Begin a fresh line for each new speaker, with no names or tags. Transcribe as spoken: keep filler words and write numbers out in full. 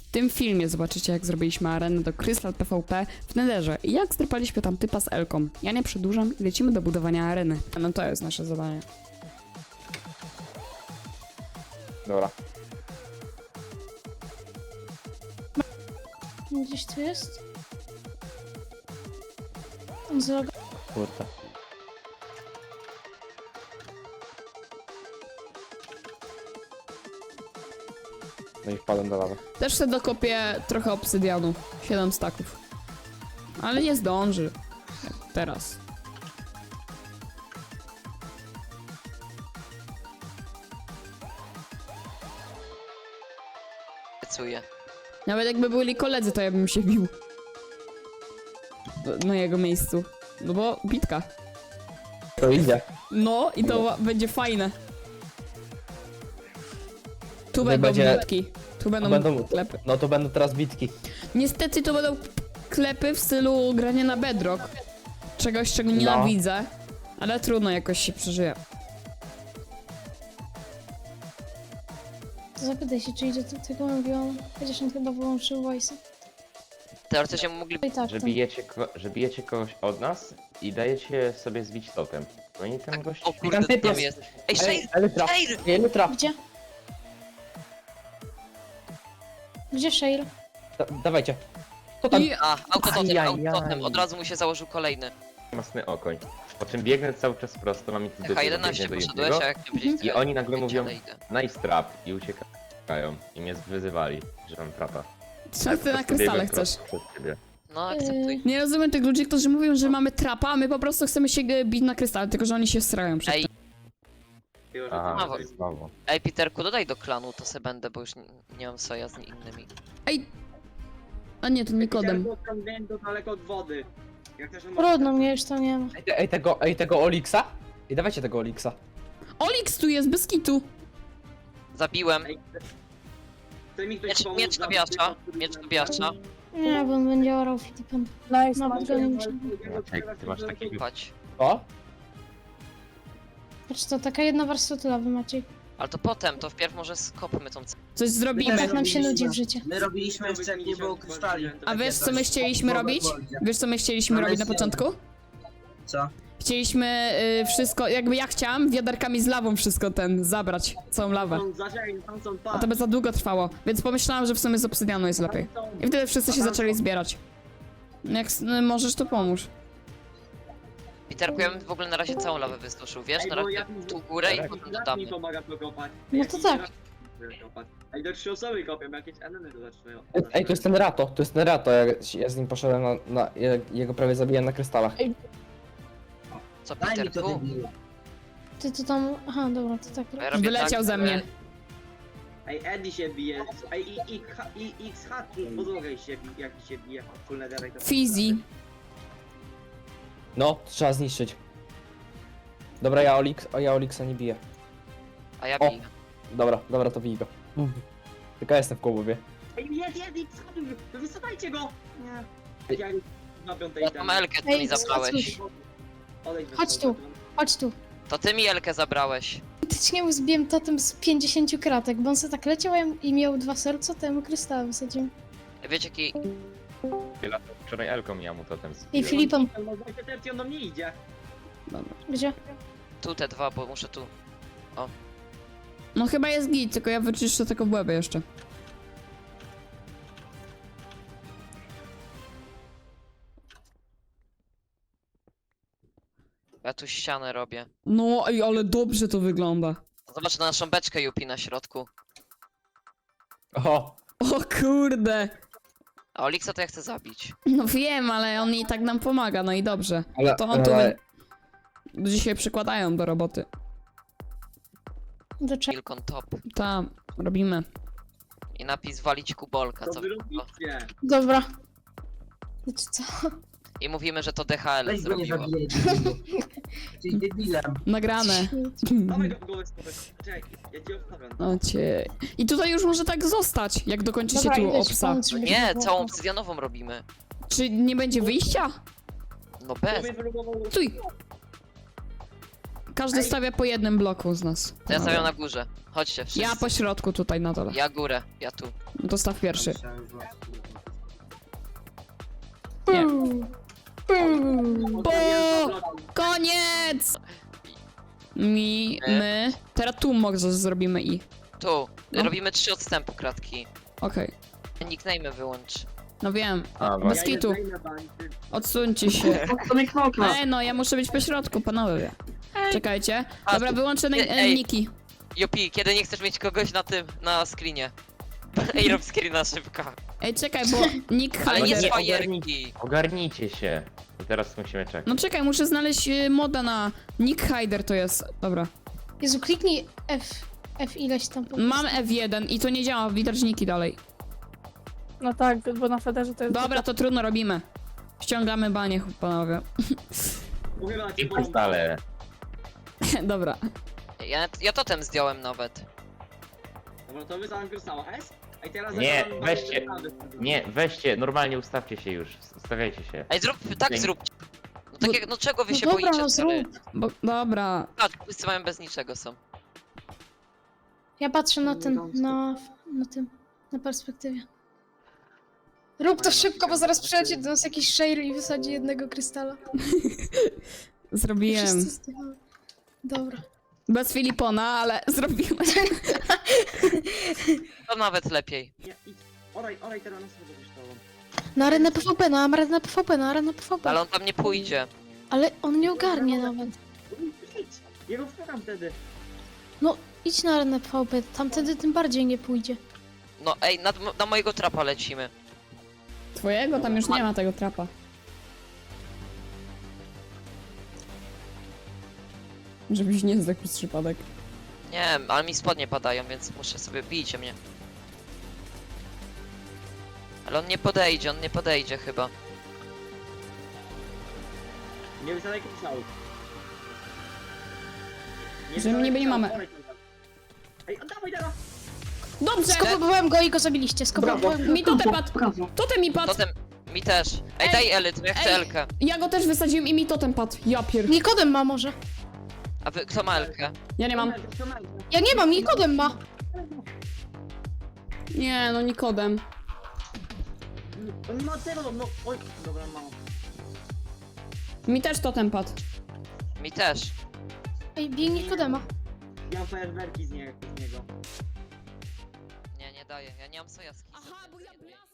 tym filmie zobaczycie, jak zrobiliśmy arenę do Crystal PvP w Netherze i jak zdrypaliśmy tam typa z Elką. Ja nie przedłużam i lecimy do budowania areny. No to jest nasze zadanie.
Dobra.
Gdzieś tu jest? On zloga...
Kurde. No i wpadłem do lawy.
Też sobie dokopię trochę obsydianu. siedem staków. Ale nie zdąży. Jak teraz.
Obiecuję.
Nawet jakby byli koledzy, to ja bym się bił. Na jego miejscu. No bo bitka.
To idzie.
No i to będzie fajne. Tu
Tutaj
będą
będzie-
bitki. Tu będą,
będą-
klepy.
No to będą teraz bitki.
Niestety to będą klepy w stylu grania na bedrock. Czegoś, czego nienawidzę. Ale trudno, jakoś się przeżyje.
To zapytaj się, czy idzie do tego mówiłam. Chociaż on chyba wyłączył voice'a.
Teoretycznie mogli...
I tak,
Że
to.
bijecie, ko- że bijecie kogoś od nas i dajecie sobie zbić totem. No i ten gość...
O kurde,
Tam typ
tam
jest.
jest. Ej, Shade!
Elytra.
Shade!
Elytra.
Gdzie? Gdzie Shale?
Da dawajcie. Co tam?
I
A, autototem,
Ajajaj.
autototem. Od razu mu się założył kolejny.
Masny okoń. Po czym biegnę cały czas prosto, mam ich tu
H jedenaście
do
poszedłeś,
jednego
a jak nie powiedzieć...
i oni nagle mówią
ale idę.
nice trap i uciekają. I mnie wyzywali, że mam trapa.
co ty na krystale chcesz?
Przez ciebie.
No, akceptuj.
Nie rozumiem tych ludzi, którzy mówią, że mamy trapa, a my po prostu chcemy się g- bić na krystale, tylko że oni się strają przed
Ej,
tym.
Aha,
Brawo.
to znowu.
ej, Peterku, dodaj do klanu, to se będę, bo już nie, nie mam soja z innymi.
Ej! A nie, to Nikodem.
Wiem, to daleko od wody. Jak też on
Trudno, mnie już to nie ma.
Ej, te- ej, tego, ej, tego Olixa? I dawajcie tego Olixa.
Olix tu jest, bez kitu!
Zabiłem.
Chce mi ktoś
Miecz,
pomóc
miecz
za-
Tobiasza, miecz Tobiasza.
Nie, bo on będzie orał Filipem.
Nice,
Nawet go nie muszę.
Maciek, ty masz takiego...
Patrz.
O?
Patrz, to taka jedna warstwa tylowy, Maciej.
Ale to potem, to wpierw może skopmy tą... c-
Coś zrobimy.
Tak nam się nudzi w życiu.
My robiliśmy jeszcze jak nie było krysztali.
A wiesz, co my chcieliśmy robić? Wiesz, co my chcieliśmy robić na początku?
Co?
Chcieliśmy y, wszystko, jakby ja chciałam, wiaderkami z lawą wszystko ten, zabrać, całą lawę.
Są zaczęli, tam są
A to by za długo trwało, więc pomyślałam, że w sumie z obsydianu jest lepiej. I wtedy wszyscy się zaczęli zbierać. Jak s- no, możesz, to pomóż.
Peterku, ja bym w ogóle na razie całą lawę wysuszył, wiesz? Na razie tu górę i potem
mi
dodamy.
pomaga to kopać.
No to tak.
Ej, do trzy osoby kopią, jakieś enemy to zaczynają.
Ej, to jest ten Rato, to jest ten Rato, ja, ja z nim poszedłem na, na ja, jego prawie zabiłem na krystalach.
Co,
Daj mi to
Peterku?
debilu.
Ty to tam... Aha, dobra, to tak.
Ja robię
Wyleciał
tak,
ze mnie.
że-
Ej, Eddie się bije. Ej, i, i, i, i X H podłogę się bije, jak się bije. Full netherite to-
Fizi.
No, trzeba zniszczyć. Dobra, ja, Olix, o, ja Olixa nie biję.
A ja
O.
biję.
Dobra, dobra, to bij go. Tylko ja jestem w kołbowie.
Ej, jest, jest, X H, wysadajcie go! Nie.
Ej.
Ja na piątej
Ja mam Elkę, ty
Ej,
mi zabrałeś.
Odejdź
Chodź tu. Chodź tu.
To ty mi Elkę zabrałeś.
Faktycznie mu zbiłem totem z pięćdziesięciu kratek, bo on sobie tak leciał i miał dwa serca, to ja mu kryształy wysadziłem.
Wiecie jaki...
Wczoraj Elką ja mu totem
I
zbiłem.
Filipem.
Tercji on do mnie idzie.
Dobra.
Gdzie?
Tu te dwa, bo muszę tu...
No chyba jest git, tylko ja wyczyszczę tego w łebie jeszcze.
Ja tu ścianę robię.
No, ej, ale dobrze to wygląda.
Zobacz na naszą beczkę Yupi na środku.
O,
O kurde.
A Olixa to ja chcę zabić.
No wiem, ale on i tak nam pomaga, no i dobrze.
ale,
To on tu
ale,
ludzie się przykładają do roboty.
Do czego?
Milk on top.
Tam, robimy.
I napis walić kubolka,
To
co
wy
by było.
robicie.
Dobra. Znaczy co?
I mówimy, że to D H L
Weź go nie
zrobiło.
zabijaj, debilu. Jesteś debilem.
Nagrane.
Dawaj go w głowę skopać. Czekaj, ja cię obstawiam.
O cię. I tutaj już może tak zostać, jak dokończycie
Dobra,
tu
idę ci
obsa.
pomóc, żeby
Nie,
to było.
całą obsydianową robimy.
Czy nie będzie wyjścia?
No bez.
Próbuję wylogował-
Stój! każdy
Ej.
stawia po jednym bloku z nas.
To ja stawiam na górze. Chodźcie, wszyscy.
Ja po środku tutaj na dole.
Ja górę, ja tu.
No to staw pierwszy.
Puu,
Nie.
puu.
Bo... Koniec! Mi,
Nie.
my... Teraz tu może zrobimy i.
Tu.
No.
Robimy trzy odstępu kratki.
Okej.
Nickname wyłącz.
No wiem.
A,
Bez
właśnie.
kitu. Odsuńcie się. Ej, no ja muszę być po środku, panowie. Czekajcie.
A,
Dobra,
tu-
wyłączę na-
Ej.
niki.
Jopi, kiedy nie chcesz mieć kogoś na tym, na screenie? Ej, rob screena szybko.
Ej, czekaj, bo Nick
Ale nie
Hider...
z
Nie,
fajerki.
Ogarnijcie się. I teraz musimy czekać.
No czekaj, muszę znaleźć y, moda na... Nick Hider to jest. Dobra.
Jezu, kliknij F, F ileś tam. po
Mam F jeden i to nie działa, widać niki dalej.
No tak, bo na Federze to jest...
Dobra, to trudno robimy. Ściągamy banie, panowie.
Uchyla cię,
I
bo...
stale.
Dobra.
Ja, ja totem zdjąłem nawet.
Dobra, to wysłałem Krystała S. A i teraz
Nie,
zakładam
weźcie.
bardzo-
Nie, weźcie, normalnie ustawcie się już. Stawiajcie się.
Ej, zrób, tak
Nie.
zróbcie. No tak jak, no czego wy
No
się
dobra,
boicie,
no
stary?
zrób.
Bo, dobra.
Patrz, wszyscy mają bez niczego są.
Ja patrzę na ten, na, na tym, na perspektywie. Rób to szybko, bo zaraz przyjdzie do nas jakiś shale i wysadzi jednego krystala. I
Zrobiłem.
wszyscy z tego... Dobra.
Bez Filipona, ale zrobiłem.
To nawet lepiej.
Nie, idź. Olej, olej teraz na sobie kosztował.
Na arenę PvP, na arenę PvP, na arenę PvP.
Ale on tam nie pójdzie.
Ale on nie ogarnie nawet.
Idź. Ja go wpycham wtedy.
No, idź na arenę PvP, tamtędy tym bardziej nie pójdzie.
No ej, na, na mojego trapa lecimy.
Twojego? Tam już nie ma tego trapa. Żebyś nie zdechł z przypadek.
Nie, ale mi spodnie padają, więc muszę sobie bijcie mnie. Ale on nie podejdzie, on nie podejdzie chyba.
Nie wysadzaj Krystałów.
Że
wysadzaj
my niby nie
Krystałów,
mamy.
olej tam. Ej, oddawaj teraz!
Dobrze!
Skopowałem go i go zabiliście, skopowałem go.
Mi totem padł! Totem mi padł!
Totem, mi też. Ej,
Ej,
daj Elyt, ja chcę
ej.
Elkę.
Ja go też wysadziłem i mi totem padł. Ja pier...
Nikodem ma może.
A wy, kto ma Elkę?
Ja nie mam.
Ja nie mam, Nikodem ma.
Nie, no Nikodem.
On nie ma tego, no oj, dobra, mam.
Mi też totem padł.
Mi też.
Ej, bij Nikodema.
Ja mam fajerwerki z, nie, z niego.
Nie, nie daję, ja nie mam sojaski.
Aha, bo ja